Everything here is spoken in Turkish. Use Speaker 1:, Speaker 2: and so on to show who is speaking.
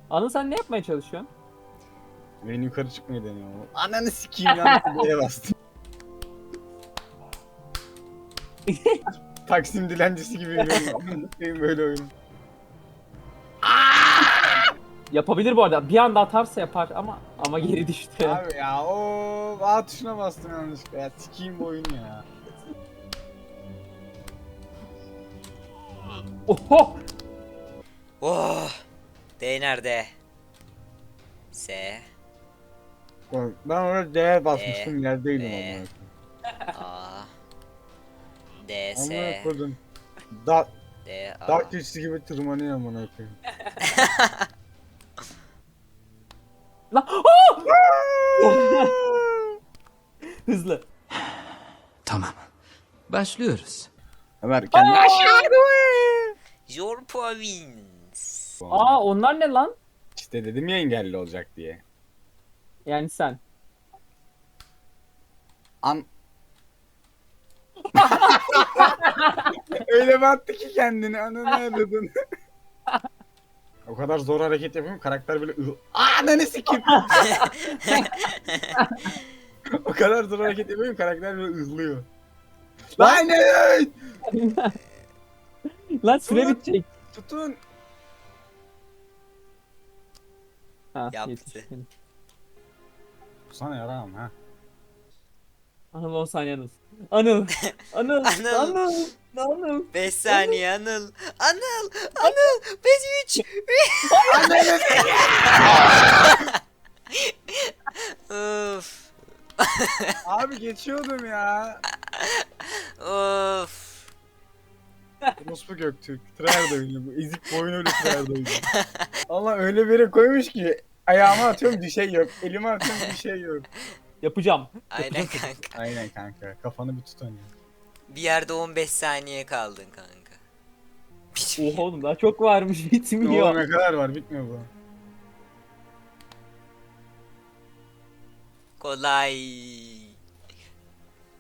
Speaker 1: Anıl sen ne yapmaya çalışıyorsun?
Speaker 2: Ben yukarı çıkmayı deniyorum. Ananı sikeyim yanlış D'ye bastım. Taksim dilencisi gibi yürüyorum. Amına koyayım böyle oyun.
Speaker 1: Yapabilir bu arada. Bir anda atarsa yapar ama geri düştü.
Speaker 2: Abi ya o A tuşuna bastım yanlışlıkla ya. Sikeyim bu oyunu ya.
Speaker 1: Oho!
Speaker 3: Oh. D nerede? S.
Speaker 2: Bak, ben orada D'ye basmıştım yerdeydim
Speaker 3: B.
Speaker 2: amına koyayım.
Speaker 3: A. D.
Speaker 2: Amına
Speaker 3: S.
Speaker 2: koydum. Da
Speaker 3: D. A.
Speaker 2: Dark geçişi gibi tırmanıyor amına koyayım.
Speaker 1: Lan! Oh! Hızlı.
Speaker 4: Tamam. Başlıyoruz.
Speaker 2: Ömer kendini aşağı
Speaker 3: Your province.
Speaker 1: Aa onlar ne lan?
Speaker 2: İşte dedim ya engelli olacak diye.
Speaker 1: Yani sen.
Speaker 2: An öyle mi attı ki kendini ananı aradın. O kadar zor hareket yapıyorum karakter böyle ananı sikeyim. O kadar zor hareket yapıyorum karakter böyle ızlıyor. Lan ne?
Speaker 1: Lan süre
Speaker 2: Ulan.
Speaker 1: bitecek.
Speaker 2: Tutun.
Speaker 1: Ha,
Speaker 3: Yaptı.
Speaker 1: yetiştin.
Speaker 2: Sana yaramam ha.
Speaker 1: Anıl 10 saniye Anıl. Anıl. Anıl.
Speaker 3: Anıl.
Speaker 1: Anıl. Anıl.
Speaker 3: 5 saniye Anıl. Anıl. Anıl. 5 3. Of.
Speaker 2: Abi geçiyordum ya.
Speaker 3: Of.
Speaker 2: Ruspu Göktürk. Tryhard oynuyor bu. Ezik boyun öyle Tryhard oynuyor. Allah öyle bir yere koymuş ki ayağıma atıyorum bir şey yok. Elime atıyorum bir şey yok.
Speaker 1: Yapacağım.
Speaker 3: Aynen kanka.
Speaker 2: Aynen kanka. Kafanı bir tut ya.
Speaker 3: Bir yerde 15 saniye kaldın kanka.
Speaker 1: Oha oğlum daha çok varmış
Speaker 2: Oğlum
Speaker 1: bitmiyor.
Speaker 2: ne kadar var bitmiyor bu.
Speaker 3: Kolay.